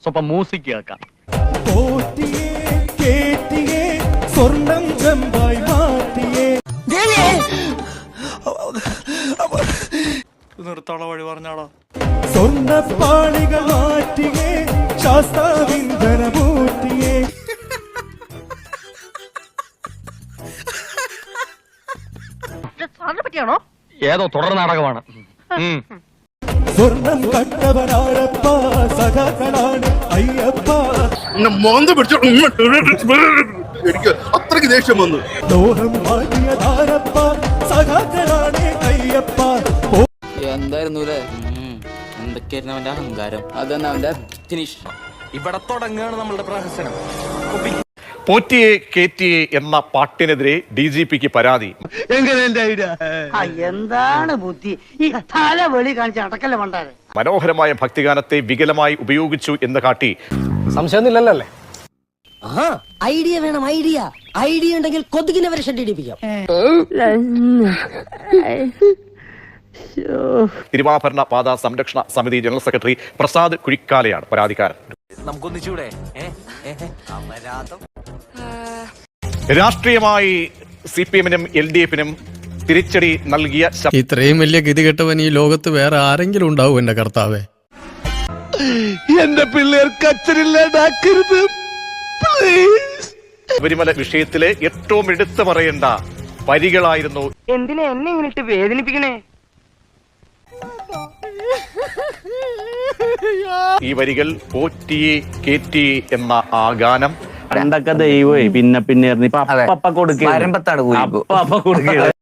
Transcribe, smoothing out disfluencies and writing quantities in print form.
സ്വപ്പം music കേൾക്കാം. സ്വർണം ചെമ്പായി മാറ്റിയേ നിർത്താള വഴി പറഞ്ഞാളാ. സ്വർണ്ണപ്പാളികൾ മാറ്റിയേ ശാസ്താവിന്ദനമൂർത്തിയേ. പറ്റിയാണോ? ഏതോ തുടർ നാടകമാണ്. സ്വർണം കണ്ടവനാരപ്പ സഖാക്കളാണ് അയ്യപ്പ. എനിക്ക് അത്രയ്ക്ക് ദേഷ്യം വന്നു. ലോഹം മാറ്റിയതാരപ്പ സഖാക്കളാണ് അയ്യപ്പ. എന്തായിരുന്നു എന്തൊക്കെയായിരുന്നു അവന്റെ അഹങ്കാരം? അതന്നെ അവന്റെ ഫിനിഷ്. ഇവിടെ തുടങ്ങുകയാണ് നമ്മളുടെ പ്രഹസനം. പോറ്റിയെ കേറ്റിയെ എന്ന പാട്ടിനെതിരെ DGPക്ക് പരാതി. എന്താണ് ബുദ്ധി ഈ തല വെളി കാണിച്ച് അടക്കല്ല വേണ്ടാരെ. മനോഹരമായ ഭക്തിഗാനത്തെ വികലമായി ഉപയോഗിച്ചു എന്ന് കാട്ടി സംശയമൊന്നുമില്ലല്ലേ? ഐഡിയ വേണം, ഐഡിയ ഉണ്ടെങ്കിൽ കൊതുകിനെ വരെ ഷെഡിടിപ്പിക്കാം. തിരുവാഭരണ പാത സംരക്ഷണ സമിതി ജനറൽ സെക്രട്ടറി പ്രസാദ് കുഴിക്കാലയാണ് പരാതിക്കാരൻ. നമുക്കൊന്നിച്ചൂടെ? രാഷ്ട്രീയമായി CPM-നും LDF-നും തിരിച്ചടി നൽകിയ ഇത്രയും വലിയ ഗതികെട്ടവൻ ഈ ലോകത്ത് വേറെ ആരെങ്കിലും ഉണ്ടാവും എന്റെ കർത്താവേ. എന്റെ പിള്ളേർക്ക് അച്ഛനില്ലാണ്ടാക്കരുത്. ശബരിമല വിഷയത്തിലെ ഏറ്റവും എടുത്തു പറയേണ്ട വരികളായിരുന്നു. എന്തിനാ എന്നെ ഇങ്ങോട്ട് വേദനിപ്പിക്കണേ? ഈ വരികൾ പോറ്റിയെ കേറ്റിയെ എന്ന ആ ഗാനം. പണ്ടൊക്കെ ദൈവമേ പിന്നെ കൊടുക്കുക